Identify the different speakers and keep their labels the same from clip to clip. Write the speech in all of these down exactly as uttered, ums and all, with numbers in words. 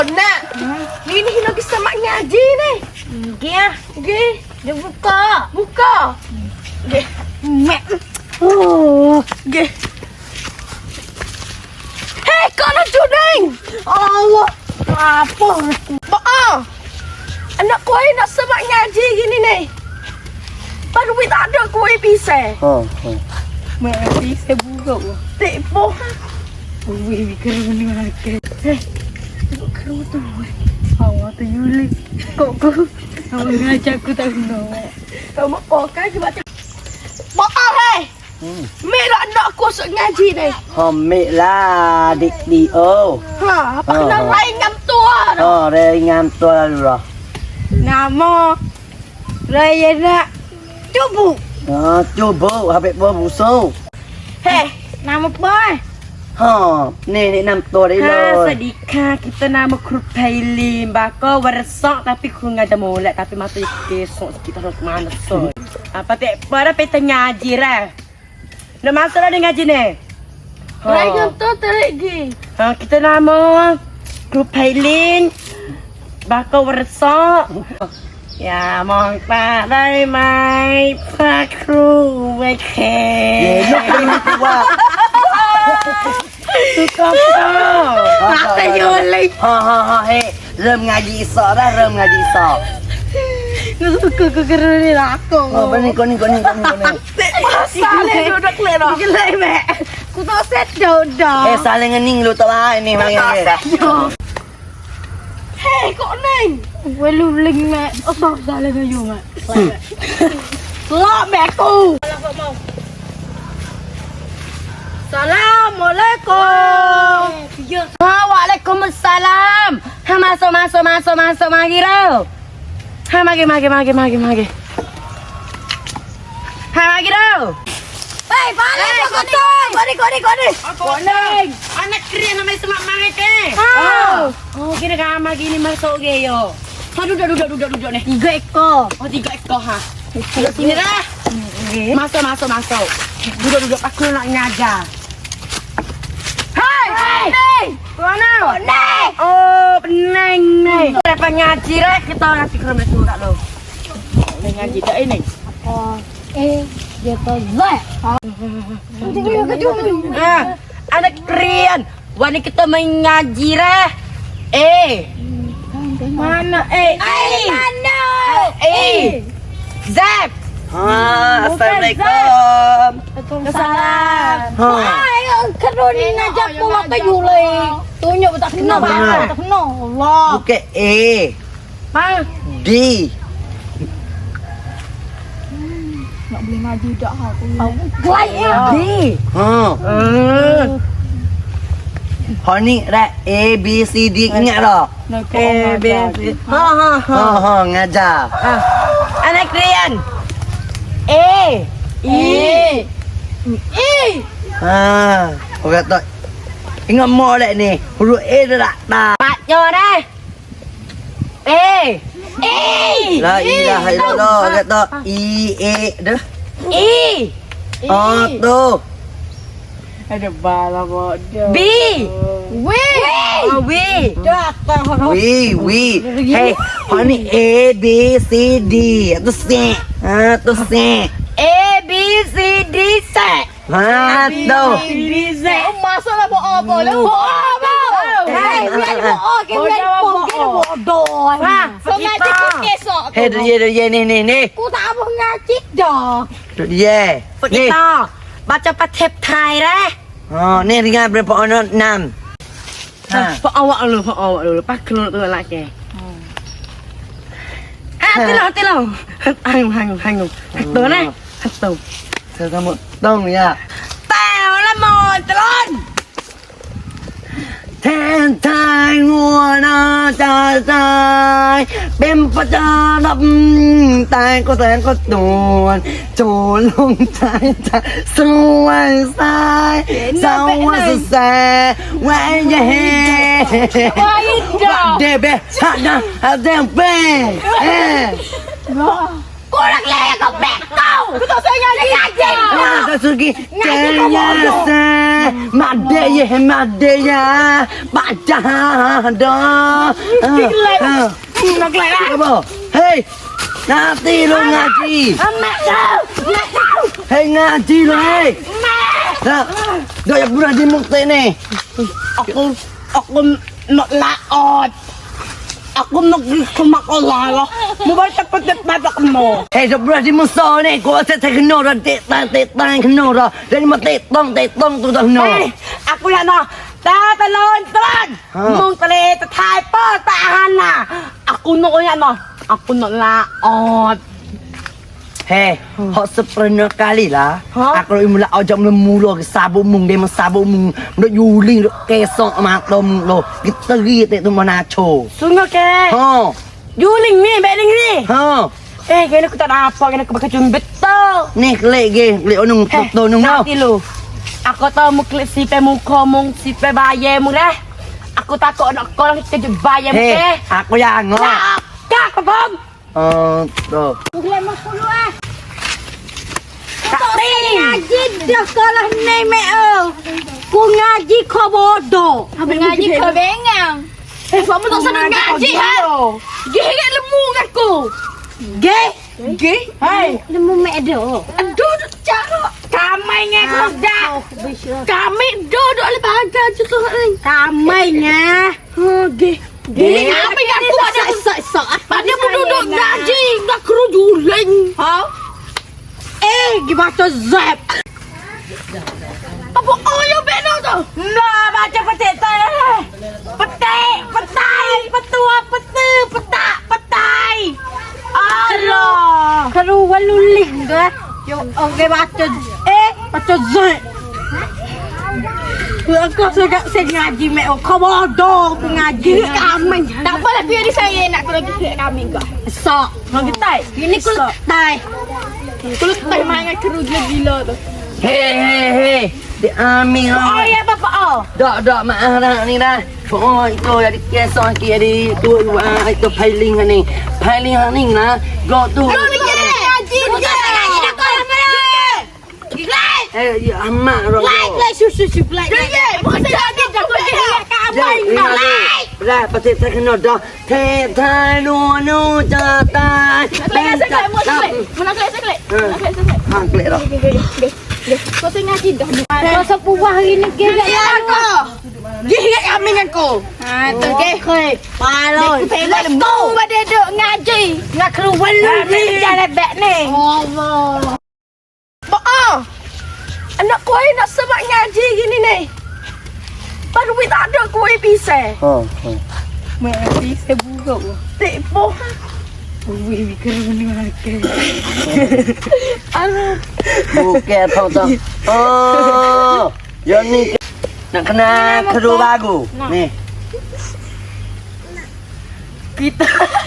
Speaker 1: Nak, ni ni lagi semak ngaji ni.
Speaker 2: Okey ah.
Speaker 1: Okey,
Speaker 2: Dia buka.
Speaker 1: buka. Okey.
Speaker 2: Mek. Oh.
Speaker 1: Okey. Hei, kau nak juning.
Speaker 2: Allah. Apa?
Speaker 1: Maaf. Anak kau nak semak ngaji gini ni. Baru duit tak ada kau bisa.
Speaker 3: Ha, ha.
Speaker 2: Mek bisa buka.
Speaker 1: Tipu.
Speaker 2: Wih, keren ni lagi. Eh, keren tu. Awak tu Yuli. Kok kau? Awak ngajak aku tak kenal.
Speaker 1: Kau mau pakai ke macam? Maaf hei.
Speaker 3: Hmm.
Speaker 1: Merah anak aku sok ngaji ni.
Speaker 3: Homik lah dik di oh.
Speaker 1: Ha, apa
Speaker 3: Ha,
Speaker 1: kena
Speaker 3: ha.
Speaker 1: lain ngam tua tu.
Speaker 3: Oh, ringan tua lalu lah.
Speaker 2: Nama Raya nak cubu.
Speaker 3: Ha, cuba habis buah busuk.
Speaker 1: Hei,
Speaker 2: Nama apa?
Speaker 3: Ha, ni ni nam tua dia
Speaker 2: Ha,
Speaker 3: lah.
Speaker 2: sedika kita nama kru Pailin. Bako waresok tapi kru ngajar molek tapi mata kesok kita harus mana so. Apa tak pada peta ngaji lah. Nak masuk dah ngaji ni.
Speaker 1: lain ngam tua terigi.
Speaker 2: Ha, kita nama kru Pailin. Bako waresok. Ya, mau pak dari mai pak kru weke.
Speaker 3: Ye, nak kena tua.
Speaker 2: Suka kau.
Speaker 1: Mata Yuli.
Speaker 3: Ha ha ha, hei. Ram ngaji isak dah, ram ngaji isak.
Speaker 2: Suka kau keren ni lah aku.
Speaker 3: Oh, benih kau ni kau ni kau ni kau ni.
Speaker 1: Pasal ni duduk lero.
Speaker 2: Gelai mek. Ku tak set dah dah.
Speaker 3: Eh, saling ngening lu tak lah ni mari ni.
Speaker 1: Hei, kau ni.
Speaker 2: Welu ling mek. Oh, tak salah kau you mek.
Speaker 1: Lak mek aku.
Speaker 2: Assalamualaikum. Ha, waalaikumsalam. Ha, masuk masuk masuk masuk mari dah. Ha, mari mari mari mari mari. Ha, mari dah.
Speaker 1: Hei, balik kau ni. Kau ni, kau ni, kau ni.
Speaker 2: Kuning. Anak keren namanya semak mari ke?
Speaker 1: Ha.
Speaker 2: Oh, kira ramai gini masuk ke yo. Ha, duduk duduk duduk duduk ni. Tiga ekor. Oh, tiga ekor ha. Duduk sini dah. Masuk masuk masuk. Duduk duduk aku nak ngajar. Hai,
Speaker 1: Hei.
Speaker 2: mana?
Speaker 1: Pening.
Speaker 2: Oh, pening ni. Lepas ngaji dah kita nanti ke rumah tu kat lo. Ni ngaji tak ini.
Speaker 1: Oh, eh, dia tu zat. Tengok ke jom.
Speaker 2: Ha, anak keren. Wani kita main ngaji dah. Eh. Mana eh?
Speaker 1: Ai, mana?
Speaker 2: Eh. Zap.
Speaker 3: Ha, assalamualaikum.
Speaker 2: Salam.
Speaker 3: Ha.
Speaker 1: Ai, kena ni ngajak aku apa Yuli. Tunjuk tak kenal
Speaker 3: Benar.
Speaker 1: tak kenal. Allah.
Speaker 3: Bukan A,
Speaker 2: Ma.
Speaker 3: D.
Speaker 1: Nak boleh ngaji dak ha aku. Gelai ya.
Speaker 2: D.
Speaker 3: Ha.
Speaker 2: Hmm.
Speaker 3: Ha ni dah A B C D ingat tak?
Speaker 2: Eh, be. Ha ha ha.
Speaker 3: Ha ha ngajar.
Speaker 2: Ah. Anak keren. Eh.
Speaker 1: Eh. Eh.
Speaker 3: Ha. Orang kata ingat mo dah ni. Huruf A dah tak tak.
Speaker 2: Pak nyo dah. Eh.
Speaker 1: Eh.
Speaker 3: La ilaha illallah. Orang kata E A dah.
Speaker 2: E.
Speaker 3: Oh tu.
Speaker 2: Ada bala bodoh. B.
Speaker 1: Weh.
Speaker 2: Oh, W.
Speaker 1: Dak tak.
Speaker 3: Wi wi. Hey, ha ni A B C D. Tu C. Ha tu C.
Speaker 2: A B C D C.
Speaker 3: Ha tu.
Speaker 2: D Z.
Speaker 1: Masa lah buat apa lah? Buat apa? Hei, biar buat ke biar buat ke bodoh.
Speaker 2: Ha,
Speaker 1: So ngaji
Speaker 2: kita.
Speaker 1: ku esok.
Speaker 3: Hey dia dia ni ni ni.
Speaker 1: Ku tak mau ngaji dah.
Speaker 3: Tu dia. Ni.
Speaker 2: Kita baca patep Thai dah.
Speaker 3: Ha ni ringan berapa orang enam. Ha.
Speaker 2: Pak awak dulu, pak awak dulu. Pak keluar tu lagi. Ah, tilau, tilau. Hang, hang, hang. Tu nah. Tu.
Speaker 3: Saya kamu tong ya.
Speaker 2: Tao lah mon, telon.
Speaker 3: แทนทายงัวนาจาใจเป็นประจาดับตายก็แสนก็โดนโจรลงใจจะสวยสายสาวสุดแสแหวนยาเฮเดเบฮะนะฮะเดมเป้เอ
Speaker 1: Kau
Speaker 2: orang lelaki kau bekau. Kau tak saya ngaji. Ngaji.
Speaker 3: Ah, tak sugi. Jaya sa. Made ye made ya. Baca dah.
Speaker 2: Nak kelak lah.
Speaker 3: Apa? Hei. Nanti lu ngaji.
Speaker 2: Mak kau. Mak kau.
Speaker 3: Hei ngaji lu hei.
Speaker 2: Mak.
Speaker 3: Nah, dah yang pernah di mukti ni.
Speaker 2: Aku aku nak laot. Aku nak kemak Allah lah. Mau baca cepat-cepat aku mau.
Speaker 3: Hei, dah pernah di musa ni. Kau asyik tak kena dah. Tetang, tetang kena dah. Dari mah tetang, tetang tu dah kena.
Speaker 2: Hei, aku nak nak. Tak telon, telon. Mung tele tetai po tahan lah. Aku nak nak nak. Aku nak laot.
Speaker 3: Hei, hok sepernah kali lah.
Speaker 2: Ha?
Speaker 3: Aku nak mula ajak mula ke sabuk mung dia sabuk mung nak yuling nak kesok mata mung lo. Kita ri tak tu mana cho.
Speaker 2: Sungguh ke?
Speaker 3: Ha.
Speaker 2: Juling ni, beling ni.
Speaker 3: Ha.
Speaker 2: Eh, kena aku tak ada apa, kena aku pakai cuma betul.
Speaker 3: Ni kelek ge, kelek onung
Speaker 2: Eh,
Speaker 3: tu nung tau.
Speaker 2: nanti lu. Aku tahu mu klik sipe muka mung sipe bayar mu dah. Aku takut nak kau orang kita bayar mu
Speaker 3: Hei,
Speaker 2: ke.
Speaker 3: aku yang ngok.
Speaker 2: Nak, kak kebom.
Speaker 3: Oh, tu.
Speaker 2: Boleh mau dulu ah. Tak ngaji dah sekolah ni mek. Ku ngaji kau bodoh.
Speaker 1: Ngaji kau bengang. Eh, kamu tak sedang ngaji ha? Gigit lemu aku.
Speaker 2: Ge?
Speaker 1: Ge?
Speaker 2: Hai.
Speaker 1: Lemu mek do. Aduh, cakap.
Speaker 2: Kamai ngah kau dah.
Speaker 1: Kami duduk le bahagia je tu ni.
Speaker 2: Kamai ngah.
Speaker 1: Ha, ge. Ge, apa yang aku ada sok-sok. Pada duduk ngaji, nak kru juling.
Speaker 2: Ha? Eh, gimana zap?
Speaker 1: Apa oh yang benar tu?
Speaker 2: Nah, baca petik tak? Petik, petai, petua, petu, petak, petai. Allah.
Speaker 1: Kru waluling ke?
Speaker 2: Yo, okey baca. Eh, baca zap. Aku suka saya ngaji mek. Kau bodoh aku ngaji.
Speaker 1: Kambing. Tak apalah biar di saya nak kau lagi kek kambing kau.
Speaker 2: Sok. Mau kita?
Speaker 1: Ini kau
Speaker 2: Tai.
Speaker 1: Kau tak main dengan kru gila tu.
Speaker 3: Hei, hei, hei. Di amin
Speaker 2: Oh
Speaker 3: ha.
Speaker 2: ya bapa oh.
Speaker 3: Dak, dak maaf dah ni dah. Oh, itu jadi kesok ki jadi tu itu pailing ni. Pailing ni lah. Go tu.
Speaker 1: Kau ni ngaji. Kau ngaji nak kau mana? Like.
Speaker 3: Eh, ya amak ro.
Speaker 1: Like, like, susu, susu, like. Ya, bukan saya ada jago dia. Kambing kau like.
Speaker 3: Dah, pasti tak kena dah. Te tai nu nu ja tai.
Speaker 1: Kelak saya kelak, mau kelak. Mana kelak saya kelak. Mana kelak saya kelak.
Speaker 3: Ha, kelak dah.
Speaker 1: Kau tengah ngaji dah. Kau sepuah hari ni gigit aku.
Speaker 2: Gigit kambing aku.
Speaker 1: Ha, tu gigit.
Speaker 2: Paloi.
Speaker 1: Let's go pada duk ngaji.
Speaker 2: Nak keluar lu jalan beg ni.
Speaker 1: Allah. Mak, anak kau nak sebab ngaji gini ni. Baru duit tak ada kau pisah.
Speaker 3: Ha.
Speaker 2: Mesti seburuk.
Speaker 1: Tipu.
Speaker 2: Wih, keren ni.
Speaker 1: Aduh.
Speaker 3: Bukan tahu tak. Oh. Yang ni nak kena keru bagu. Ni.
Speaker 2: Kita.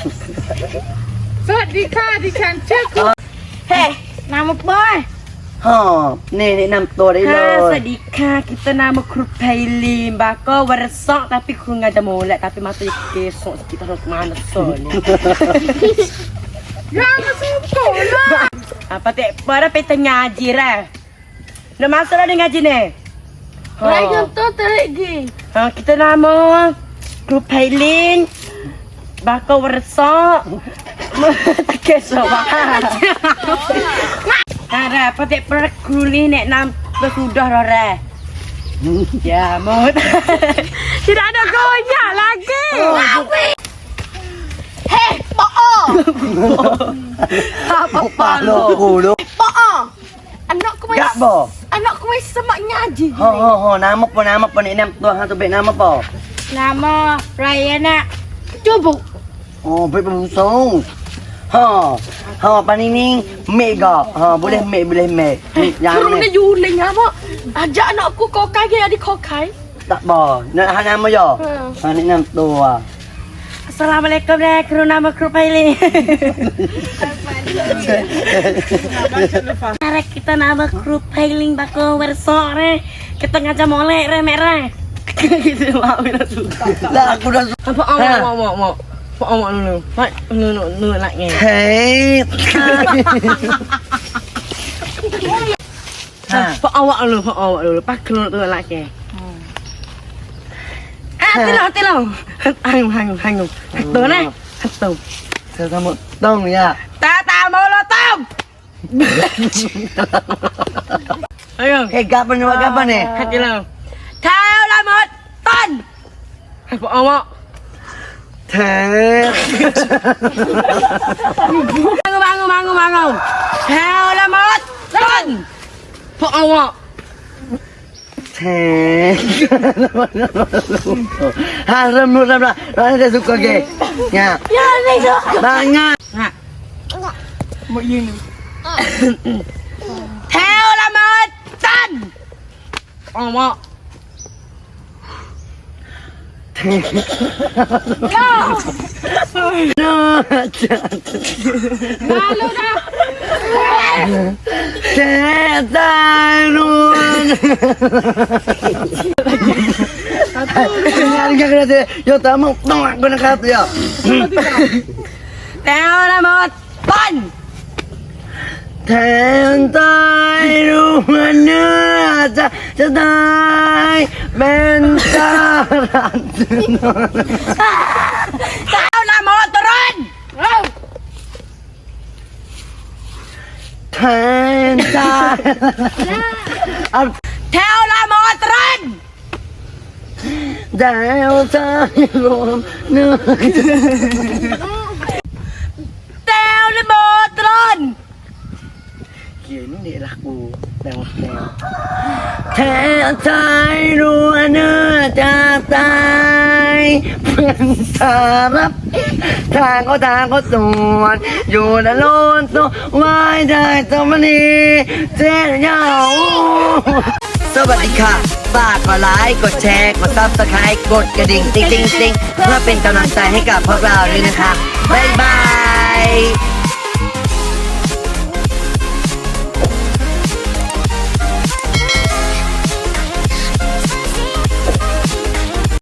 Speaker 2: Swadika di kancak. Hei, nama boy.
Speaker 3: Ha, ni ni nam tu dia
Speaker 2: Ha,
Speaker 3: lo.
Speaker 2: sedika kita nama kru Pailim. Bako waresok tapi kru ngada molek tapi mata kesok kita harus mana soalnya. Jangan sumpah lah. Apa tak pada peta ngaji lah. Nak masuk dah dengan ngaji ni.
Speaker 1: Orang tu terigi.
Speaker 2: Ha, kita nama kru Pailim. Bako waresok. Tak kesok bah. Ara, patik per kuli nek nam sudah rore. Ya, mau. Tidak ada goyak lagi.
Speaker 1: Hei, Pak.
Speaker 2: Apa
Speaker 3: Apa lo kulo?
Speaker 1: Pak. Anak kau
Speaker 3: Gak bo.
Speaker 1: anak kau semak ngaji.
Speaker 3: Ho ho ho, nama apa nama apa ni nam tu ha tu bet nama apa?
Speaker 2: Nama Rayana. Cubu.
Speaker 3: Oh, bet busung. Ha. Ha, apa ni ni? Mega. Ha, boleh mek boleh mek. Yang
Speaker 1: Kru ni
Speaker 3: ni
Speaker 1: juling apa? Ajak anak aku kau kai adik kau kai.
Speaker 3: tak bo. Nak ha nama yo. Ha ni nam tu ah.
Speaker 2: Assalamualaikum deh, kru nama kru Paili. Cara kita nama kru Pailing bako bersok re. Kita ngajak molek re merah. Gitu mau suka.
Speaker 3: Lah aku dah
Speaker 2: Apa mau mau mau mau. Phó ông ạ nương Vậy nương nương nương lại nghe
Speaker 3: เฮ้ย
Speaker 2: Phó ông ạ nương Phó ông ạ nương Bác nương nương lại nghe À thế nào thế nào Hành hành hành Tớ này Hành tớ
Speaker 3: เธอทำหมดต้องเนี่ย
Speaker 2: Ta ta mô lô tôm Thấy không
Speaker 3: เฮ้ยกลับมาเนี่ยกลับมาเนี่ย
Speaker 2: Hành thế nào Theo là một tuần Hành phó ông ạ
Speaker 3: เธอ
Speaker 2: Mang mang mang mang mang Theo là một tuần Phó ông ạ
Speaker 3: เธอฮะเริ่มรู้เริ่มละเราให้ได้สุกโอเคเนี่ย
Speaker 1: Ya ni dah.
Speaker 3: บางงาน
Speaker 2: Nè Một yên Theo là một tuần Ông ạ
Speaker 3: เนาะจ้ะ
Speaker 2: Malu dah
Speaker 3: เธอตายรู้งานกันเลยโยตามงต้องกันนะครับเดี๋ยว
Speaker 2: Theo là một tuần
Speaker 3: แทนตายรู้ว่าเนื้อจะจะตายเป็นตาลัน
Speaker 2: Theo là một tuần
Speaker 3: แทนตายเอา
Speaker 2: Theo là một tuần
Speaker 3: ดาวตายรวมเนื้อ
Speaker 2: Theo là một tuần
Speaker 3: เขียนนี่รักกูแนวแนวแทนตายรู้ว่าเนื้อจะตายเป็นตารับทางก็ทางก็ส่วนอยู่ในโลนตัวไว้ได้ตัวมันนี้เจ้าเย้าสวัสดีค่ะฝากกดไลค์กดแชร์กดซับสไครต์กดกระดิ่งติ๊งติ๊งติ๊งเพื่อเป็นกำลังใจให้กับพวกเราด้วยนะคะบ๊ายบาย